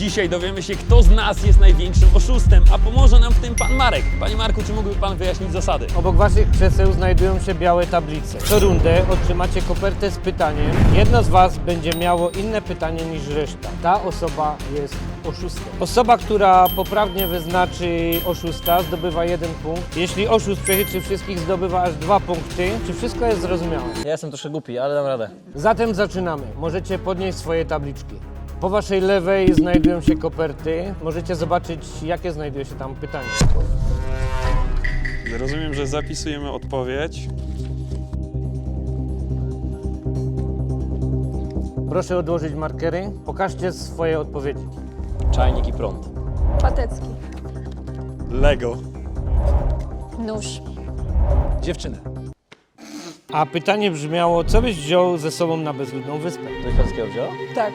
Dzisiaj dowiemy się, kto z nas jest największym oszustem, a pomoże nam w tym pan Marek. Panie Marku, czy mógłby pan wyjaśnić zasady? Obok waszych krzeseł znajdują się białe tablice. Co rundę otrzymacie kopertę z pytaniem. Jedno z was będzie miało inne pytanie niż reszta. Ta osoba jest oszustem. Osoba, która poprawnie wyznaczy oszusta, zdobywa 1 punkt. Jeśli oszust przechytrzy wszystkich, zdobywa aż 2 punkty. Czy wszystko jest zrozumiałe? Ja jestem troszkę głupi, ale dam radę. Zatem zaczynamy. Możecie podnieść swoje tabliczki. Po waszej lewej znajdują się koperty. Możecie zobaczyć, jakie znajduje się tam pytanie. Rozumiem, że zapisujemy odpowiedź. Proszę odłożyć markery. Pokażcie swoje odpowiedzi. Czajnik i prąd. Patecki. Lego. Nóż. Dziewczynę. A pytanie brzmiało, co byś wziął ze sobą na bezludną wyspę? Coś polskiego wziął? Tak.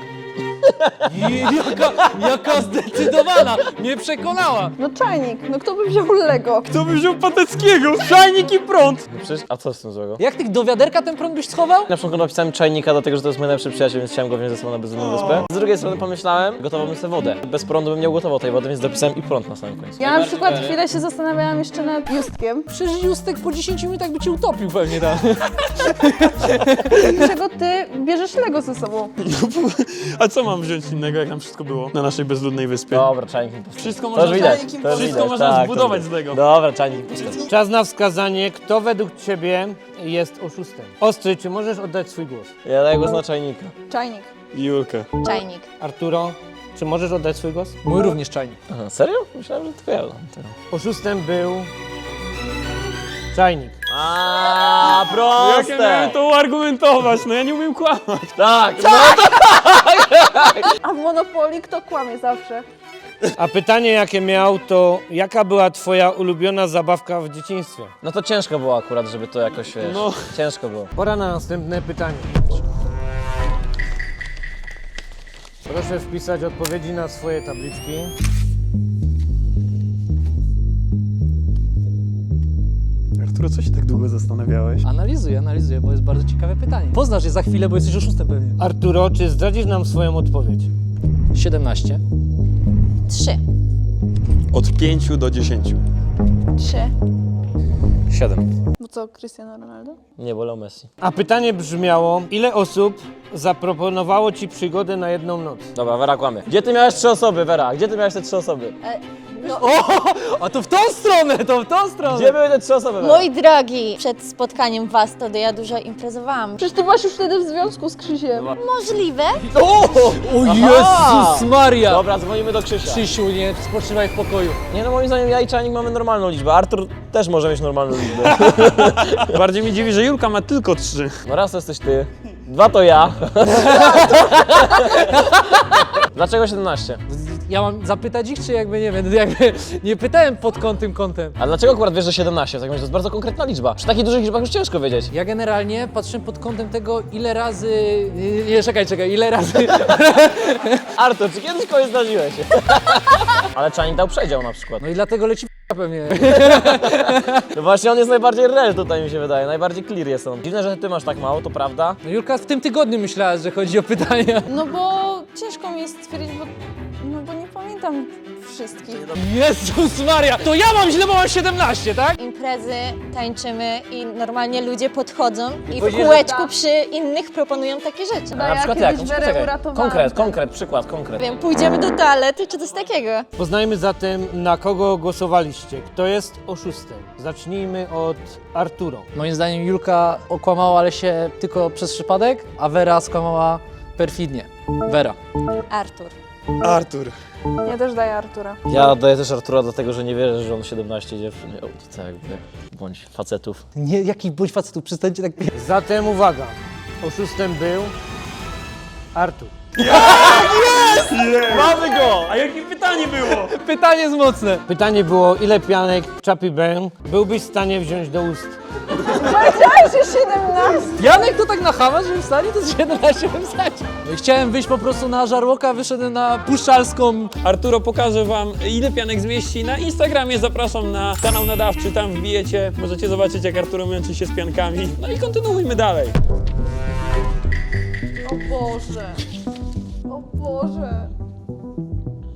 Jaka zdecydowana! Mnie przekonała! No czajnik. No kto by wziął Lego? Kto by wziął Pateckiego? Czajnik i prąd! No przecież, a co z tym złego? Jak ty do wiaderka ten prąd byś schował? Na początku napisałem czajnika, dlatego że to jest mój najlepszy przyjaciel, więc chciałem go wziąć ze sobą na bezludną wyspę. Z drugiej strony pomyślałem, gotowałbym sobie wodę. Bez prądu bym nie ugotował tej wody, więc dopisałem i prąd na samym końcu. Ja na przykład chwilę się zastanawiałam jeszcze nad Justkiem. Przecież Justek po 10 minutach by cię utopił pewnie tam. Dlaczego ty bierzesz Lego ze sobą? A co mam wziąć innego, jak nam wszystko było na naszej bezludnej wyspie? Dobra, czajnik mi postawi. Wszystko To można, już widać, Czajnik to już wszystko widać, można tak, zbudować to z Lego. Dobra, czajnik mi postawi. Czas na wskazanie, kto według ciebie jest oszustem. Ostry, czy możesz oddać swój głos? Ja daję głos na czajnika. Czajnik. Julkę. Czajnik. Arturo, czy możesz oddać swój głos? Mój również czajnik. Aha, serio? Myślałem, że tylko ja dam tego. Oszustem był czajnik. Aaa, Jak ja miałem to uargumentować? No ja nie umiem kłamać. Tak, no A w Monopolii kto kłamie zawsze? A pytanie, jakie miał, to jaka była twoja ulubiona zabawka w dzieciństwie? No to ciężko było akurat, żeby to jakoś, wiesz, No. ciężko było. Pora na następne pytanie. Proszę wpisać odpowiedzi na swoje tabliczki. Arturo, co się tak długo zastanawiałeś? Analizuję, bo jest bardzo ciekawe pytanie. Poznasz je za chwilę, bo jesteś oszustem pewnie. Arturo, czy zdradzisz nam swoją odpowiedź? 17. 3. Od 5 do 10. 3. 7. Bo co, Cristiano Ronaldo? Nie, wolał Messi. A pytanie brzmiało, ile osób zaproponowało ci przygodę na jedną noc? Dobra, Wera kłamie. Gdzie ty miałeś 3 osoby, Wera? Gdzie ty miałeś te 3 osoby? A to w tą stronę, to w tą stronę! Gdzie były te 3 osoby, Wera? Mój drogi, przed spotkaniem was to ja dużo imprezowałam. Przecież ty byłaś już wtedy w związku z Krzysiem. Możliwe? O Jezus Maria! Dobra, dzwonimy do Krzysia. Krzysiu, nie spoczywaj w pokoju. Nie no, moim zdaniem ja i czajnik mamy normalną liczbę. Artur też może mieć normalną liczbę. Bardziej mnie dziwi, że Julka ma tylko 3. No raz to jesteś ty, 2 to ja. Dlaczego 17? Ja mam zapytać ich, czy jakby nie wiem, jakby nie pytałem pod kątem. A dlaczego akurat wiesz, że 17? W takim razie to jest bardzo konkretna liczba. Przy takich dużych liczbach już ciężko wiedzieć. Ja generalnie patrzę pod kątem tego, ile razy... Nie, czekaj, ile razy... Artur, czy kiedyś kogoś zdarzyłeś? Ale czajnik dał przedział na przykład. No i dlatego leci pewnie. No właśnie on jest najbardziej real tutaj mi się wydaje, najbardziej clear jest on. Dziwne, że ty masz tak mało, to prawda? No Julka w tym tygodniu myślała, że chodzi o pytania. No bo ciężko mi jest stwierdzić, bo nie pamiętam wszystkich. Jezus Maria! To ja mam źle, bo mam 17, tak? Imprezy, tańczymy i normalnie ludzie podchodzą i w powiedzieć, kółeczku przy innych proponują takie rzeczy. A ja kiedyś Werę uratowałam. Konkret. Wiem, pójdziemy do toalety czy coś takiego. Poznajmy zatem, na kogo głosowaliście. Kto jest oszustem? Zacznijmy od Arturo. Moim zdaniem Julka okłamała, ale się tylko przez przypadek, a Wera skłamała perfidnie. Wera. Artur. Artur. Ja też daję Artura. Ja daję też Artura dlatego, że nie wierzę, że on 17 dziewczyn miał. To tak jakby, bądź facetów. Nie, jaki bądź facetów, przestańcie tak... Zatem uwaga, oszustem był Artur. Mamy go! A jakie pytanie było? Pytanie jest mocne. Pytanie było, ile pianek Chappie Bang byłbyś w stanie wziąć do ust? Powiedziałeś, że 17? Janek to tak na chama, że w stanie to z 17 bym wsadził. No i chciałem wyjść po prostu na żarłoka, wyszedłem na puszczalską. Arturo pokaże wam, ile pianek zmieści na Instagramie. Zapraszam na kanał nadawczy, tam wbijecie. Możecie zobaczyć, jak Arturo męczy się z piankami. No i kontynuujmy dalej. O Boże. O Boże.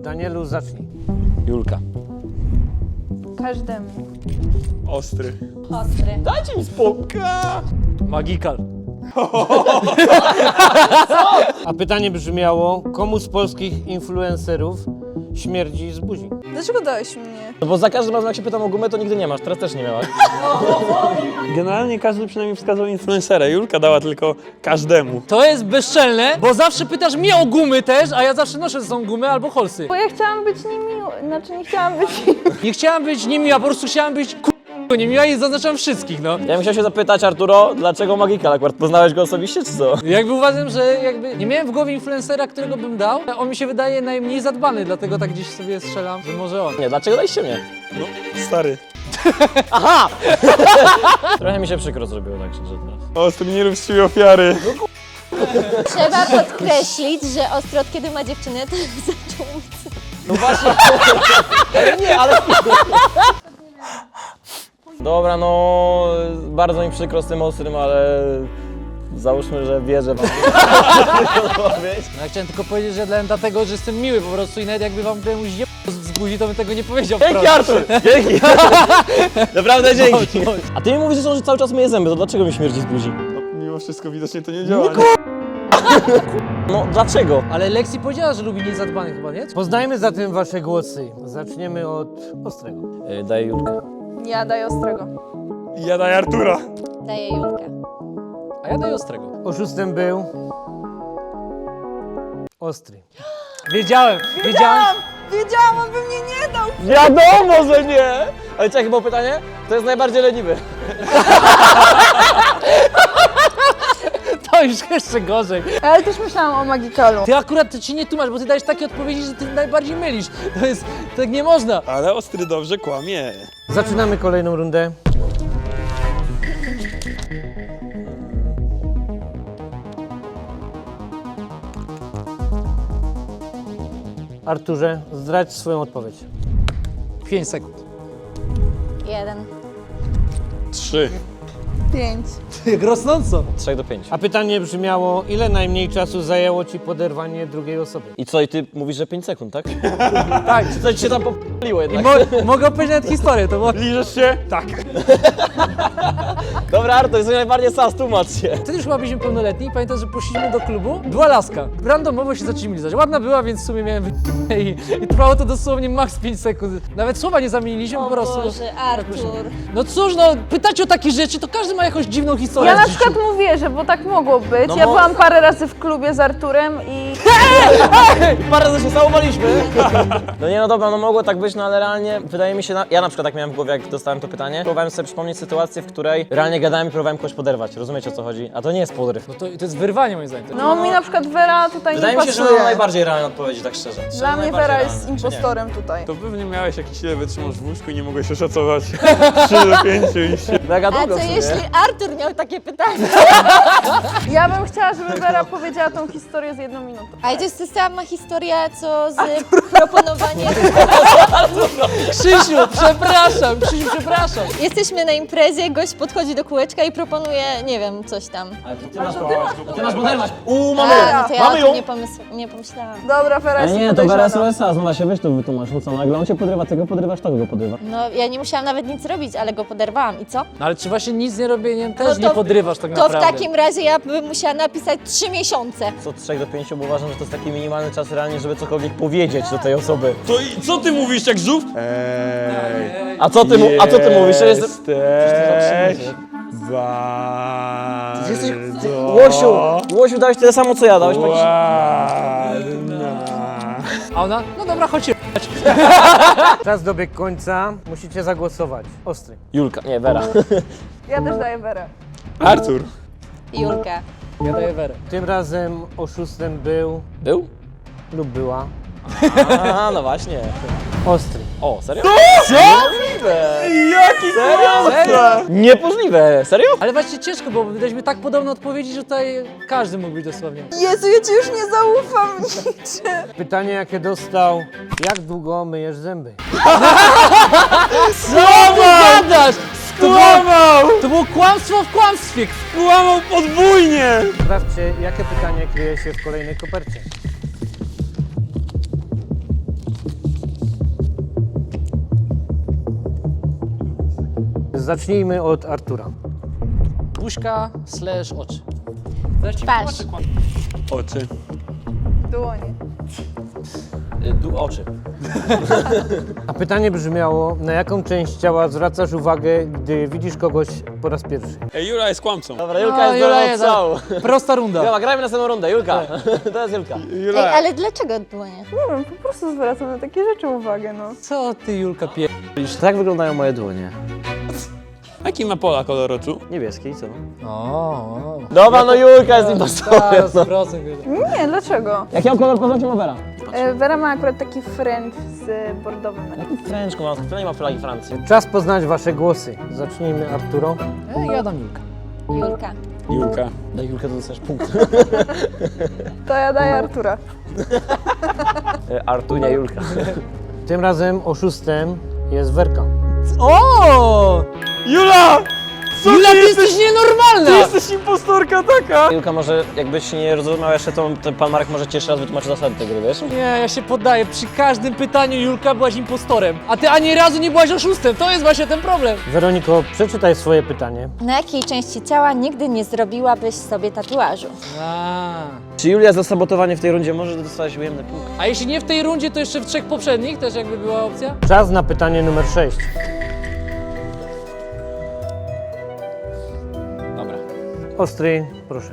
Danielu, zacznij. Julka. Każdemu. Ostry. Ostry. Dajcie mi spokój. Magikal. A pytanie brzmiało, komu z polskich influencerów śmierdzi z buzi? Dlaczego dałeś mnie? No bo za każdym razem jak się pytam o gumę, to nigdy nie masz, teraz też nie miałaś. Generalnie każdy przynajmniej wskazał influencera. Julka dała tylko każdemu. To jest bezczelne, bo zawsze pytasz mnie o gumy też, a ja zawsze noszę ze sobą gumy albo holsy. Bo ja chciałam być niemiła, znaczy nie chciałam być Nie chciałam być niemiła, po prostu chciałam być niemiła i zaznaczam wszystkich, no. Ja bym chciał się zapytać, Arturo, dlaczego Magikal akurat? Poznałeś go osobiście, czy co? Jakby uważam, że jakby nie miałem w głowie influencera, którego bym dał. On mi się wydaje najmniej zadbany, dlatego tak gdzieś sobie strzelam, że może on. Nie, dlaczego daliście mnie? No, stary. Trochę mi się przykro zrobiło, tak szczerze teraz. Ostry, nie rób z siebie ofiary. Trzeba podkreślić, że Ostry od kiedy ma dziewczynę, to zaczął mówić. No właśnie. Ale nie, ale... Dobra, no bardzo mi przykro z tym Ostrym, ale załóżmy, że wierzę wam. No ja chciałem tylko powiedzieć, że dałem dlatego, że jestem miły po prostu i nawet jakby wam komuś z buzi, to bym tego nie powiedział Dzięki, wprost. Artur! Dzięki! Naprawdę dzięki! A ty mi mówisz, że cały czas myję zęby, to dlaczego mi śmierdzi z buzi? No, mimo wszystko widocznie to nie działa. No dlaczego? Ale Lexi powiedziała, że lubi niezadbanych chyba, nie? Poznajmy zatem wasze głosy. Zaczniemy od Ostrego. Daję Julkę. Ja daję Ostrego. Ja daję Artura. Daję Julkę. A ja daję Ostrego. Oszustem był Ostry. Wiedziałem! Wiedziałam, on by mnie nie dał! Wiadomo, że nie! Ale jakie było pytanie? To jest najbardziej leniwy. To już jeszcze gorzej. Ale też myślałam o Magikalu. Ty akurat to ci nie tłumacz, bo ty dajesz takie odpowiedzi, że ty najbardziej mylisz. To jest, tak nie można. Ale Ostry dobrze kłamie. Zaczynamy kolejną rundę. Arturze, zdradź swoją odpowiedź. 5 sekund. 1. 3. 5. Jak rosnąco. 3 do 5. A pytanie brzmiało, ile najmniej czasu zajęło ci poderwanie drugiej osoby? I co, i ty mówisz, że 5 sekund, tak? Tak. Czy coś się tam popaliło I jednak? mogę opowiedzieć nawet historię, to było... Liżesz się? Tak. Dobra, Artur, jesteś najbardziej sas, tłumacz się. Wtedy już chyba byliśmy pełnoletni i pamiętam, że poszliśmy do klubu. Była laska. Randomowo się zaczęliśmy lizać. Ładna była, więc w sumie miałem i trwało to dosłownie max 5 sekund. Nawet słowa nie zamieniliśmy, po O prostu. Boże, Artur. No cóż, no pytacie o takie rzeczy, to każdy ma jakąś dziwną historię Ja w na życiu. przykład mówię, że bo tak mogło być. No Ja mo- byłam parę razy w klubie z Arturem i... Parę razy się całowaliśmy. No nie, no dobra, no mogło tak być, no ale realnie wydaje mi się, ja na przykład tak miałem w głowie, jak dostałem to pytanie. Próbowałem sobie przypomnieć sytuację, w której realnie gadałem i próbowałem kogoś poderwać. Rozumiecie, o co chodzi? A to nie jest podryw. No to jest wyrwanie moim zdaniem. No mi na przykład Vera tutaj Wydaje nie mi się, że pasuje. to najbardziej realne odpowiedzi, tak szczerze. Dla mnie Vera jest impostorem tutaj. To pewnie miałeś jakiś ile wytrzymasz w łóżku i nie mogłeś oszacować. 3 do 5 i się... Mega A długo co w sumie. jeśli Artur miał takie pytanie? Ja bym chciała, żeby Vera powiedziała tą historię z 1 minutą. A to jest ta sama historia, co z proponowaniem. Krzysiu, przepraszam, przepraszam. Jesteśmy na imprezie, gość podchodzi do kółeczka i proponuje, nie wiem, coś tam. Ty masz poderwać. Mamy! A, no to ja Mamy o ją! tym nie pomyślałam. Dobra, Vera jest podejrzana. SOS, no się weź to wytłumacz, no co, nagle on cię podrywa, tego podrywasz, to go podrywa. No, ja nie musiałam nawet nic robić, ale go poderwałam. I co? No ale czy właśnie nic nie robieniem też No to- nie podrywasz tak To naprawdę? w takim razie ja bym musiała napisać 3 miesiące. Co 3 do 5, bo uważam, że to jest taki minimalny czas realnie, żeby cokolwiek powiedzieć do tej osoby. To i co ty mówisz jak żółw? A co ty mówisz? Ja jestem... Jesteś Łosiu, dałeś tyle samo co ja, dałeś jakiś... ładna. A ona? No dobra, chodź się. Czas dobiegł końca, musicie zagłosować. Ostry. Julka, nie, Vera. Ja też daję Verę. Artur. Julka. Ja daję Werę. Tym razem oszustem był Był? lub była A, no właśnie. Ostry. O, serio? Co? Niemożliwe! Jaki Serio? Niemożliwe! Serio? Ale właśnie ciężko, bo wydaliśmy tak podobne odpowiedzi, że tutaj każdy mógł być dosłownie. Jezu, ja ci już nie zaufam niczym. Pytanie, jakie dostał, jak długo myjesz zęby? Co ty gadasz? Kłamał! To było kłamstwo w kłamstwie. Kłamał podwójnie! Sprawdźcie, jakie pytanie kryje się w kolejnej kopercie. Zacznijmy od Artura. Buźka / oczy. Twarz. Oczy. Dłonie. Oczy. A pytanie brzmiało, na jaką część ciała zwracasz uwagę, gdy widzisz kogoś po raz pierwszy? Ej, Jura jest kłamcą. Dobra, Julka jest Jula do jest- odstrzału. Prosta runda. Dobra, grajmy następną rundę. Julka. To jest Julka. Ej, ale dlaczego dłonie? Nie wiem, po prostu zwracam na takie rzeczy uwagę, no. Co ty, Julka, Tak wyglądają moje dłonie. Jaki ma Pola kolor oczu? Niebieski, co? O. Dobra, no Julka jest impostorem. Tak, 100%. Nie, dlaczego? Jaki mam kolor poznać ma Vera? Vera ma akurat taki French z bordowym. Fręczku, ona nie ma flagi Francji. Czas poznać wasze głosy. Zacznijmy, Arturo. Ja dam Julkę. Julka. Julka. Daj Julkę, to dostajesz punkt. To ja daję Artura. Artunia Julka. Tym razem oszustem jest Werka. O! Jula! Jula, ty jesteś nienormalna! jesteś impostorka taka! Julka, może jakbyś nie rozumiał jeszcze, to pan Marek może ci jeszcze raz wytłumaczy zasady tej gry, wiesz? Nie, ja się poddaję. Przy każdym pytaniu Julka byłaś impostorem, a ty ani razu nie byłaś oszustem. To jest właśnie ten problem. Weroniko, przeczytaj swoje pytanie. Na jakiej części ciała nigdy nie zrobiłabyś sobie tatuażu? Czy Julia za sabotowanie w tej rundzie może dostać ujemny punkt? A jeśli nie w tej rundzie, to jeszcze w 3 poprzednich też jakby była opcja? Czas na pytanie numer 6. Dobra. Ostry, proszę.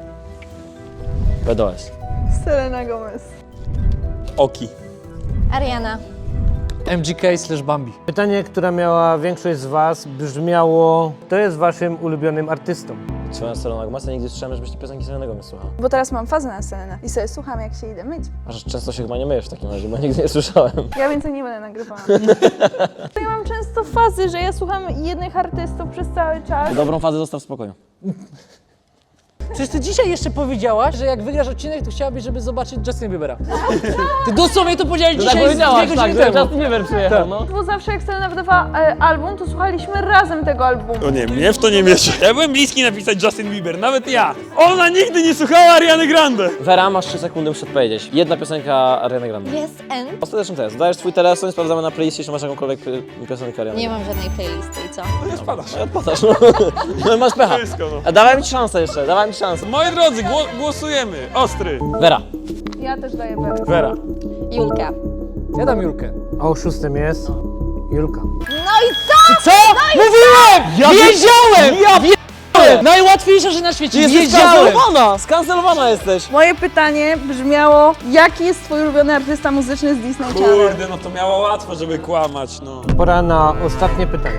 BDOS. Selena Gomez. Oki. Ariana. MGK / Bambi. Pytanie, które miała większość z was, brzmiało: kto jest waszym ulubionym artystą? Słucham Selena Gomez, nigdy słyszałem, żebyś ty piosenki Selena Gomez słuchał. Bo teraz mam fazę na Selenę i sobie słucham, jak się idę myć. Aż często się chyba nie myjesz w takim razie, bo nigdy nie słyszałem. Ja więcej nie będę nagrywała. Ja mam często fazy, że ja słucham jednych artystów przez cały czas. Dobrą fazę zostaw w spokoju. Przecież ty dzisiaj jeszcze powiedziałaś, że jak wygrasz odcinek, to chciałabyś, żeby zobaczyć Justin Biebera. Ty dosłownie to powiedziałeś dzisiaj z 2 godziny temu. Justin Bieber przyjechał, no. Bo zawsze jak Selena wydawała album, to słuchaliśmy razem tego albumu. O nie, mnie w to nie miesza. Ja byłem bliski napisać Justin Bieber, nawet ja. Ona nigdy nie słuchała Ariany Grande. Vera, masz 3 sekundy, muszę odpowiedzieć. Jedna piosenka Ariany Grande. Yes and? Ostateczny test. Dajesz twój telefon i sprawdzamy na playliście, czy masz jakąkolwiek piosenkę Ariany. Nie mam żadnej playlisty i co? To nie spadasz. Odpadasz, no. No masz pecha. Wszystko, no. A dawaj mi szansę jeszcze, dawaj mi szansę. Moi drodzy, głosujemy. Ostry. Vera. Ja też daję Werę. Vera. Julka. Ja dam Julkę. A oszustem jest Julka. No i co? Co? Mówiłem! Wiedziałem! Wiedziałem! Najłatwiejsza rzecz na świecie. Wiedziałem! Skancelowana jesteś! Moje pytanie brzmiało, jaki jest twój ulubiony artysta muzyczny z Disney Channel? Kurde, no to miało łatwo, żeby kłamać, no. Pora na ostatnie pytanie.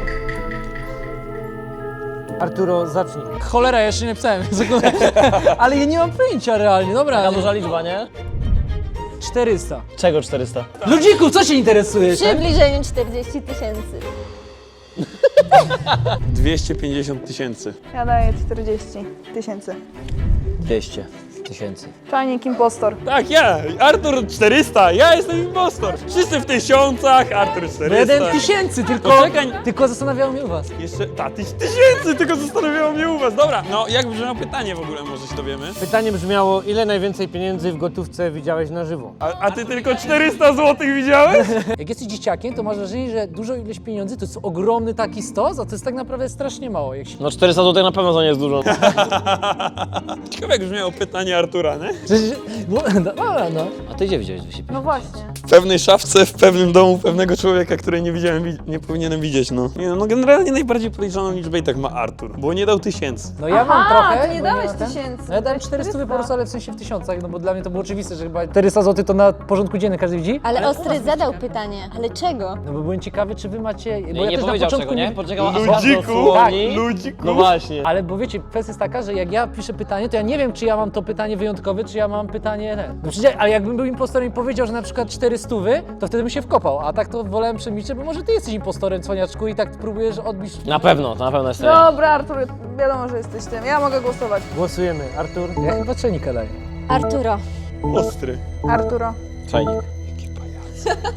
Arturo, zacznij. Cholera, ja jeszcze nie napisałem. Ale ja nie mam pojęcia realnie. Dobra. Taka duża liczba, nie? 400. Czego 400? Ludziku, co się interesujesz? W przybliżeniu 40 000. 250 tysięcy. Ja daję 40 000. 200 tysięcy. Czajnik impostor. Tak, ja. Artur 400, ja jestem impostor. Wszyscy w tysiącach, Artur 400. 1000, tylko, Poczekaj. tylko zastanawiało mnie u was. Jeszcze, tysięcy, tylko zastanawiało mnie u was. Dobra, no jak brzmiało pytanie w ogóle, może się dowiemy? Pytanie brzmiało: ile najwięcej pieniędzy w gotówce widziałeś na żywo? A ty tylko 400 zł widziałeś? Jak jesteś dzieciakiem, to masz wrażenie, że dużo ilość pieniędzy to jest ogromny taki stos, a to jest tak naprawdę strasznie mało. Jak się... No 400 zł na pewno to nie jest dużo. Ciekawe jak brzmiało pytanie Artura, nie? Dobra, no. A ty gdzie widziałeś 250? No właśnie. W pewnej szafce, w pewnym domu pewnego człowieka, której nie widziałem, nie powinienem widzieć, no. Nie, no generalnie najbardziej podejrzaną liczbę i tak ma Artur, bo nie dał 1000. No ja mam Aha, trochę. to nie bo dałeś mam ten. 1000, No ja dałem dałeś 400 po 400. prostu, ale w sensie w tysiącach, no bo dla mnie to było oczywiste, że chyba 400 zł to na porządku dziennym każdy widzi. Ale Ostry zadał pytanie. Ale czego? No bo byłem ciekawy, czy wy macie... Bo Nie, ja nie też na powiedział początku czego, nie? Poczekał aż Ludziku, dosłowni. ludziku. No właśnie. Ale bo wiecie, kwestia jest taka, że jak ja piszę pytanie, to ja nie wiem, czy ja mam to pytanie wyjątkowe, czy ja mam pytanie... No przecież, ale jakbym był impostorem i powiedział, że na przykład 400, to wtedy bym się wkopał, a tak to wolałem przemilczeć, bo może ty jesteś impostorem, cwaniaczku, i tak próbujesz odbić... Na pewno, to na pewno jest ja. Dobra, Artur, wiadomo, że jesteś tym. Ja mogę głosować. Głosujemy. Artur? Ja chyba trzenika daję. Arturo. Ostry. Arturo. Czajnik.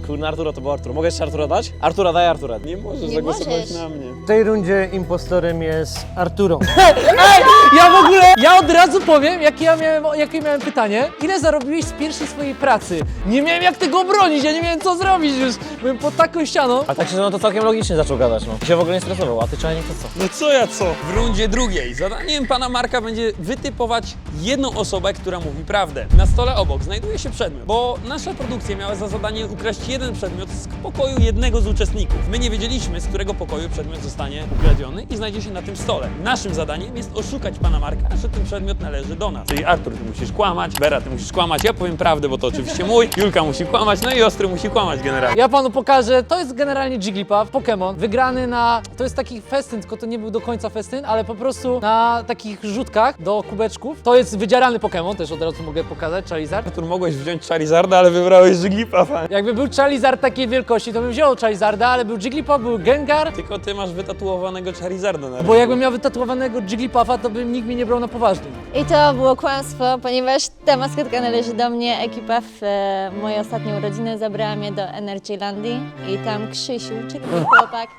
Kurna, Arturo to był Artur. Mogę jeszcze Artura dać? Artura, daj Artura. Nie możesz Nie zagłosować możesz. na mnie. W tej rundzie impostorem jest Arturo. Ja w ogóle, ja od razu powiem, jakie miałem pytanie. Ile zarobiłeś z pierwszej swojej pracy? Nie miałem jak tego obronić, ja nie miałem co zrobić już. Byłem pod taką ścianą. A tak się no to całkiem logicznie zaczął gadać, no. I się w ogóle nie stresował, a ty czajnik to co? No co ja co? W rundzie drugiej zadaniem pana Marka będzie wytypować jedną osobę, która mówi prawdę. Na stole obok znajduje się przedmiot, bo nasza produkcja miała za zadanie ukraść jeden przedmiot z pokoju jednego z uczestników. My nie wiedzieliśmy, z którego pokoju przedmiot zostanie ukradziony i znajdzie się na tym stole. Naszym zadaniem jest oszukać pana Marka, że ten przedmiot należy do nas. Czyli Artur, ty musisz kłamać, Vera, ty musisz kłamać, ja powiem prawdę, bo to oczywiście mój, Julka musi kłamać, no i Ostry musi kłamać generalnie. Ja panu pokażę, to jest generalnie Jigglypuff, Pokémon, wygrany na, to jest taki festyn, tylko to nie był do końca festyn, ale po prostu na takich rzutkach do kubeczków. To jest wydzierany Pokémon, też od razu mogę pokazać, Charizard. Artur, mogłeś wziąć Charizarda, ale wybrałeś Jigglypuffa. Jakby był Charizard takiej wielkości, to bym wziął Charizarda, ale był Jigglypuff, był Gengar, Tylko ty masz wytatuowanego Charizarda na bo jakbym miał wytatuowanego Jigglypuffa, to by nikt mnie nie brał na poważnie. I to było kłamstwo, ponieważ ta maskotka należy do mnie. Ekipa w moje ostatnie urodziny zabrała mnie do Energylandii i tam Krzysiu, czyli mój chłopak,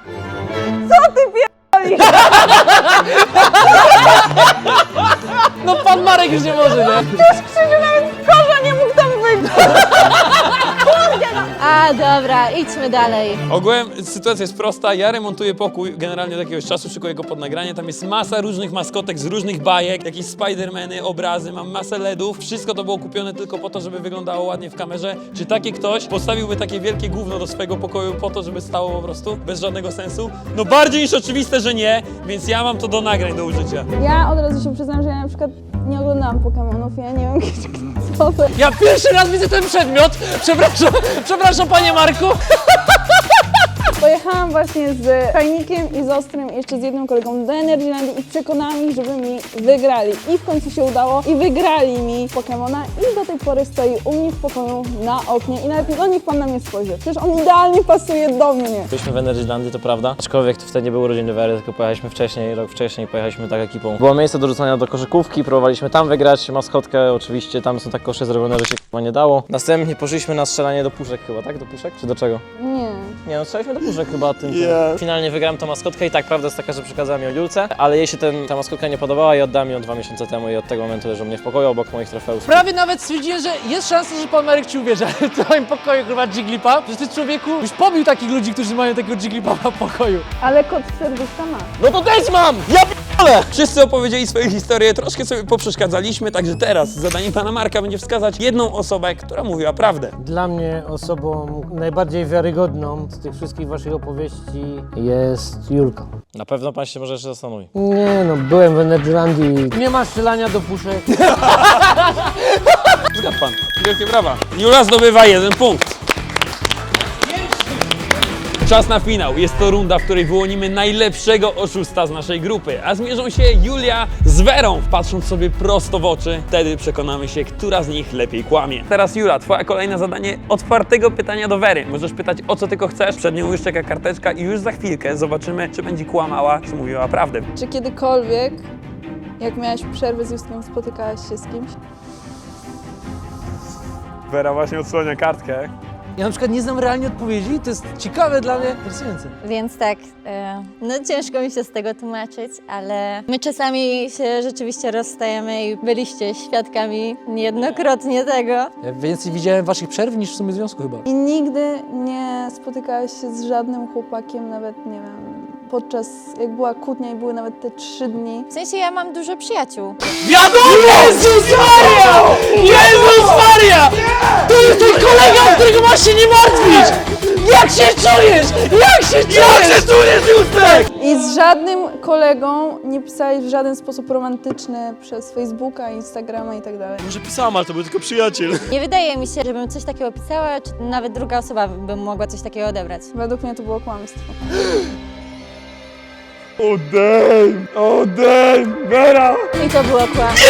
No pan Marek już nie może, nie? Korza nie mógł tam być! A dobra, idźmy dalej. Ogółem sytuacja jest prosta, ja remontuję pokój generalnie od jakiegoś czasu, szykuję go pod nagranie, tam jest masa różnych maskotek z różnych bajek, jakieś Spidermany, obrazy, mam masę LEDów, wszystko to było kupione tylko po to, żeby wyglądało ładnie w kamerze. Czy taki ktoś postawiłby takie wielkie gówno do swojego pokoju po to, żeby stało po prostu bez żadnego sensu? No bardziej niż oczywiste, że nie, więc ja mam to do nagrań do użycia. Ja od razu się przyznam, że ja na przykład nie oglądałam Pokemonów, ja nie wiem, co to. Ja pierwszy raz widzę ten przedmiot, przepraszam panie Marku. Pojechałam właśnie z Fajnikiem i z Ostrym i jeszcze z jednym kolegą do Energylandii i przekonałam ich, żeby mi wygrali. I w końcu się udało i wygrali mi Pokemona i do tej pory stoi u mnie w pokoju na oknie i nawet do nich pan na mnie spojrzy. Przecież on idealnie pasuje do mnie. Byliśmy w Energylandii, to prawda. Aczkolwiek to wtedy nie były urodziny Wery, tylko pojechaliśmy wcześniej, rok wcześniej pojechaliśmy tak ekipą. Było miejsce do rzucania do koszykówki, próbowaliśmy tam wygrać maskotkę, oczywiście tam są tak kosze zrobione, że się chyba nie dało. Następnie poszliśmy na strzelanie do puszek chyba, tak? Do puszek? Czy do czego? Nie. Nie no, strzelaliśmy do puszek chyba tym. Finalnie wygrałem tą maskotkę i tak, prawda jest taka, że przekazałem ją Julce, ale jej się ta maskotka nie podobała i oddałem ją 2 miesiące temu i od tego momentu leży u mnie w pokoju obok moich trofeów. Prawie nawet stwierdziłem, że jest szansa, że pan Marek ci uwierzy, ale w twoim pokoju chyba Jigglypuff. Przecież ty, człowieku, już pobił takich ludzi, którzy mają takiego Jigglypuffa w pokoju. Ale kot serduszka ma. No to też mam! Ja p***le! Wszyscy opowiedzieli swoje historie, troszkę sobie poprzeszkadzaliśmy, także teraz zadaniem pana Marka będzie wskazać jedną osobę, która mówiła prawdę. Dla mnie osobą najbardziej wiarygodną z tych wszystkich waszych opowieści jest Julka. Na pewno pan się może jeszcze zastanowi. Nie no, byłem w Energylandii. Nie ma strzelania do puszek. Zgadł pan. Wielkie brawa. Jula zdobywa 1 punkt. Czas na finał. Jest to runda, w której wyłonimy najlepszego oszusta z naszej grupy, a zmierzą się Julia z Werą. Patrząc sobie prosto w oczy, wtedy przekonamy się, która z nich lepiej kłamie. Teraz Jula, twoja kolejne zadanie otwartego pytania do Wery. Możesz pytać o co tylko chcesz, przed nią już czeka karteczka i już za chwilkę zobaczymy, czy będzie kłamała, czy mówiła prawdę. Czy kiedykolwiek, jak miałaś przerwę z Justkiem, spotykałaś się z kimś? Wera właśnie odsłania kartkę. Ja na przykład nie znam realnie odpowiedzi, to jest ciekawe dla mnie, interesujące. Więc tak, no ciężko mi się z tego tłumaczyć, ale my czasami się rzeczywiście rozstajemy i byliście świadkami niejednokrotnie tego. Ja więcej widziałem waszych przerw niż w sumie związku chyba. I nigdy nie spotykałaś się z żadnym chłopakiem, nawet nie wiem, podczas jak była kłótnia i były nawet te 3 dni. W sensie ja mam dużo przyjaciół. Wiadomo! Jezus Maria! Jezus Maria! To jest ten kolega, o którego masz się nie martwić! Jak się czujesz? Jak się czujesz, Justek? I z żadnym kolegą nie pisałeś w żaden sposób romantyczny przez Facebooka, Instagrama i tak dalej. Może pisałam, ale to był tylko przyjaciel. Nie wydaje mi się, żebym coś takiego pisała, czy nawet druga osoba by mogła coś takiego odebrać. Według mnie to było kłamstwo. Odejm, Vera! I to było kłamstwo.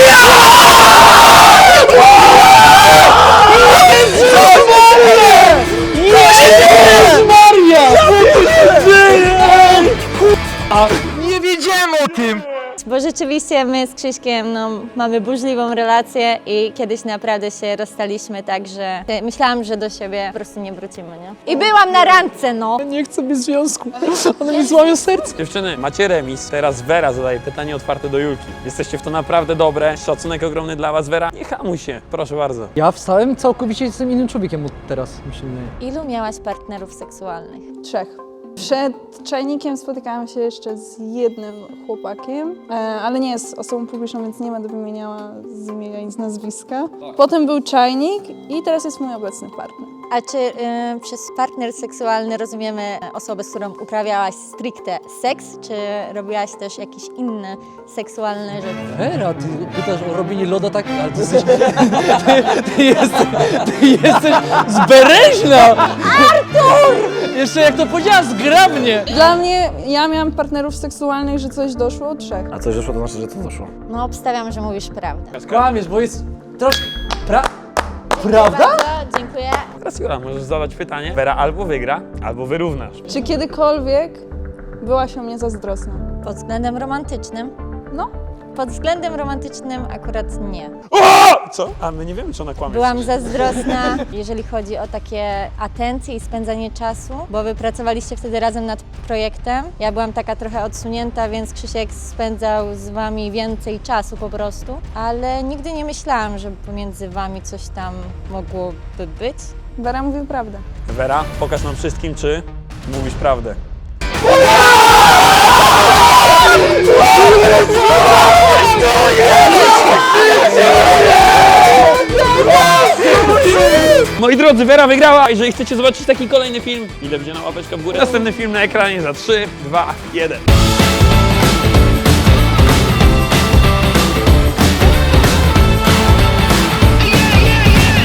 Jezus Maria! Co tu się dzieje? Nie wiedziałem o tym! Bo rzeczywiście my z Krzyśkiem no, mamy burzliwą relację i kiedyś naprawdę się rozstaliśmy tak, że myślałam, że do siebie po prostu nie wrócimy, nie? I byłam na randce, no. Nie chcę być w związku. One mi złamią serce. Dziewczyny, macie remis. Teraz Wera zadaje pytanie otwarte do Julki. Jesteście w to naprawdę dobre. Szacunek ogromny dla was, Wera. Nie hamuj się, proszę bardzo. Ja wstałem całkowicie jestem innym człowiekiem od teraz, mi się wydaje. Ilu miałaś partnerów seksualnych? 3. Przed czajnikiem spotykałam się jeszcze z jednym chłopakiem, ale nie jest osobą publiczną, więc nie będę wymieniała z imienia i z nazwiska. Potem był czajnik i teraz jest mój obecny partner. A czy przez partner seksualny rozumiemy osobę, z którą uprawiałaś stricte seks, czy robiłaś też jakieś inne seksualne rzeczy? Wera, ty pytasz o robienie loda tak, ale ty jesteś... Ty jesteś zbereźna! Artur! Jeszcze jak to powiedziała, zgrabnie! Dla mnie, ja miałam partnerów seksualnych, że coś doszło od 3. A coś doszło, to znaczy, że to doszło. No obstawiam, że mówisz prawdę. Kłamiesz, bo jest troszkę... Prawda? Bardzo dziękuję. Teraz Jula, możesz zadać pytanie. Wera albo wygra, albo wyrównasz. Czy kiedykolwiek byłaś o mnie zazdrosna? Pod względem romantycznym? No. Pod względem romantycznym akurat nie. Co? A my nie wiemy, czy ona kłamie. Byłam zazdrosna, jeżeli chodzi o takie atencje i spędzanie czasu, bo wy pracowaliście wtedy razem nad projektem. Ja byłam taka trochę odsunięta, więc Krzysiek spędzał z wami więcej czasu po prostu, ale nigdy nie myślałam, że pomiędzy wami coś tam mogłoby być. Wera mówi prawdę. Wera, pokaż nam wszystkim, czy mówisz prawdę. Moi drodzy, Wera wygrała. Jeżeli chcecie zobaczyć taki kolejny film, ile będzie na łapeczkę w górę. Następny film na ekranie za 3, 2, 1.